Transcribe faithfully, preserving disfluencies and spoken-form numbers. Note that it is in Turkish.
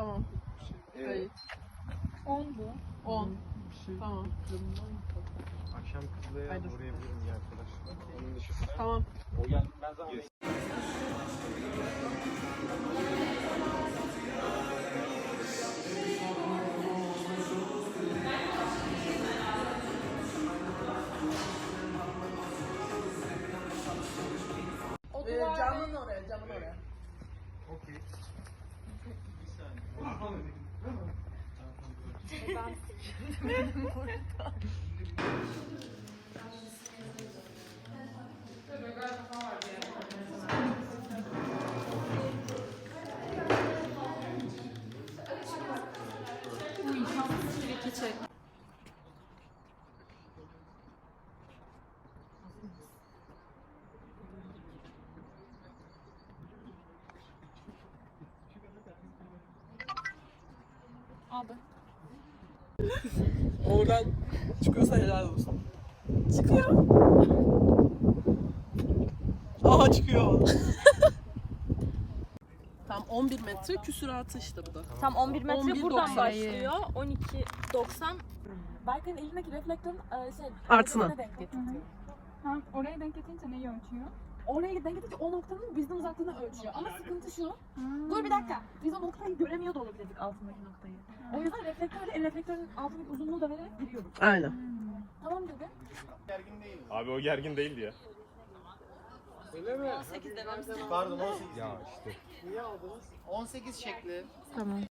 Tamam. Evet. on bu. on. Tamam. Akşam Kızılay'a Haydi. uğrayabilirim bir arkadaşlar. Onun dışında. Tamam. O gel. Ben zaten. Ee, camın oraya, camın oraya. Okey. Abi. Oradan çıkıyorsa helal olsun. Çıkıyor. Aha çıkıyor. Tam on bir metre küsuratı işte bu da. Tam on bir metre on bir buradan doksan. başlıyor. on iki doksan. Berkay'ın elindeki reflektörün e, şey, Artına. noktasına denk getiriyor. Ha, oraya denk getirince neyi ölçüyor? Oraya denk getirince o noktanın bizden uzaklığını ölçüyor. Ama sıkıntı şu. Dur bir dakika. Biz o noktayı göremiyor da olabilirdik, altındaki noktayı. O yüzden reflektörle el reflektörün altındaki uzunluğu da vererek giriyorduk. Aynen. Tamam dedi. Abi o gergin değildi ya. on sekiz dememiz lazım. Pardon on sekiz. Ya işte. Niye aldınız? on sekiz şekli. Tamam.